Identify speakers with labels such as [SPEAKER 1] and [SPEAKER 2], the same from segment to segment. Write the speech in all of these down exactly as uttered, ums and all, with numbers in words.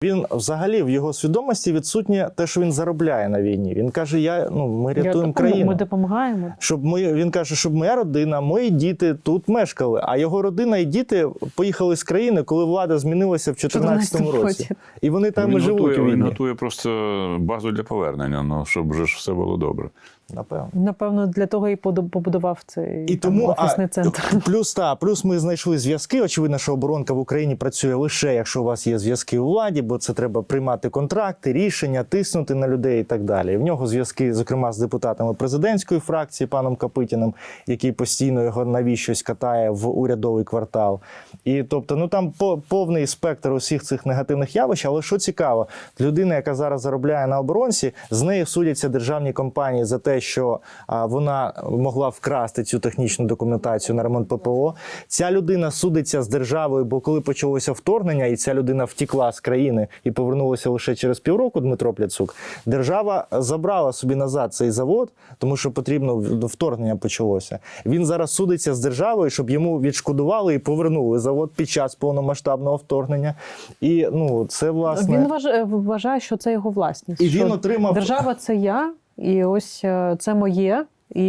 [SPEAKER 1] Він взагалі в його свідомості відсутнє те, що він заробляє на війні. Він каже, я, ну, ми рятуємо
[SPEAKER 2] Я,
[SPEAKER 1] країну.
[SPEAKER 2] Ми допомагаємо.
[SPEAKER 1] Щоб ми, він каже, щоб моя родина, мої діти тут мешкали, а його родина і діти поїхали з країни, коли влада змінилася в чотирнадцятому році. І вони там
[SPEAKER 3] він
[SPEAKER 1] і живуть
[SPEAKER 3] готує,
[SPEAKER 1] у війні.
[SPEAKER 3] Він готує просто базу для повернення, ну, щоб вже ж все було добре.
[SPEAKER 1] Напевно.
[SPEAKER 2] Напевно, для того і побудував цей
[SPEAKER 1] І
[SPEAKER 2] там,
[SPEAKER 1] тому,
[SPEAKER 2] офісний
[SPEAKER 1] а,
[SPEAKER 2] центр.
[SPEAKER 1] Плюс, та, плюс ми знайшли зв'язки. Очевидно, що оборонка в Україні працює лише, якщо у вас є зв'язки у владі, бо це треба приймати контракти, рішення, тиснути на людей і так далі. І в нього зв'язки, зокрема, з депутатами президентської фракції, паном Копитіним, який постійно його навіщось катає в урядовий квартал. І, тобто, ну там повний спектр усіх цих негативних явищ, але що цікаво, людина, яка зараз заробляє на оборонці, з нею судяться державні компанії за те, що а, вона могла вкрасти цю технічну документацію на ремонт ППО. Ця людина судиться з державою, бо коли почалося вторгнення, і ця людина втекла з країни і повернулася лише через півроку, Дмитро Пляцук, держава забрала собі назад цей завод, тому що потрібно, вторгнення почалося. Він зараз судиться з державою, щоб йому відшкодували і повернули завод під час повномасштабного вторгнення. І, ну, це, власне...
[SPEAKER 2] Він вважає, вважає, що це його власність.
[SPEAKER 1] І він отримав...
[SPEAKER 2] Держава – це я, і ось це моє, і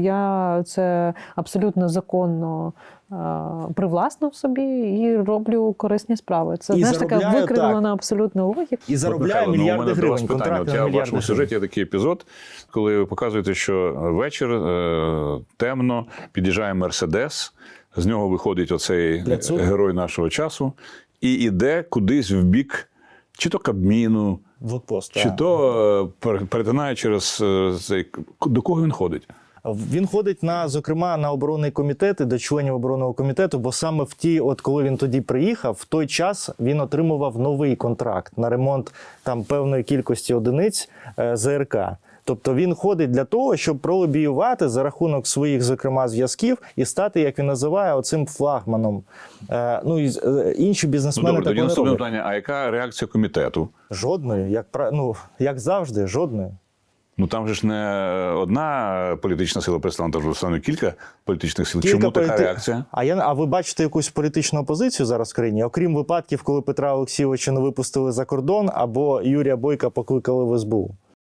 [SPEAKER 2] я це абсолютно законно е, привласнив собі і роблю корисні справи. Це, знаєш, така викривлена абсолютна логіка.
[SPEAKER 1] І заробляє
[SPEAKER 3] Михайло,
[SPEAKER 1] мільярди
[SPEAKER 3] ну,
[SPEAKER 1] гривень, контракти на
[SPEAKER 3] Я в
[SPEAKER 1] мільярди
[SPEAKER 3] вашому сюжеті є такий епізод, коли ви показуєте, що вечір, е, темно, під'їжджає Мерседес, з нього виходить оцей
[SPEAKER 1] Пляцук.
[SPEAKER 3] Герой нашого часу і йде кудись в бік чи то Кабміну,
[SPEAKER 1] Блокпост,
[SPEAKER 3] чи
[SPEAKER 1] так.
[SPEAKER 3] то перетинає через цей... До кого він ходить?
[SPEAKER 1] Він ходить, на, зокрема, на оборонний комітет і до членів оборонного комітету, бо саме в ті, от коли він тоді приїхав, в той час він отримував новий контракт на ремонт там певної кількості одиниць е, ЗРК. Тобто він ходить для того, щоб пролобіювати за рахунок своїх, зокрема, зв'язків і стати, як він називає, оцим флагманом. Е, ну, і е, інші бізнесмени
[SPEAKER 3] ну, добре,
[SPEAKER 1] так
[SPEAKER 3] тоді
[SPEAKER 1] не
[SPEAKER 3] наступне
[SPEAKER 1] роблять.
[SPEAKER 3] питання, а яка реакція комітету?
[SPEAKER 1] Жодної, як, ну, як завжди, жодної.
[SPEAKER 3] Ну там же ж не одна політична сила представлена, там ж саме кілька політичних сил.
[SPEAKER 1] Кілька
[SPEAKER 3] Чому така
[SPEAKER 1] політи...
[SPEAKER 3] реакція?
[SPEAKER 1] А, я... а ви бачите якусь політичну опозицію зараз в країні? Окрім випадків, коли Петра Олексійовича не випустили за кордон, або Юрія Бойка покликали в ес бе у.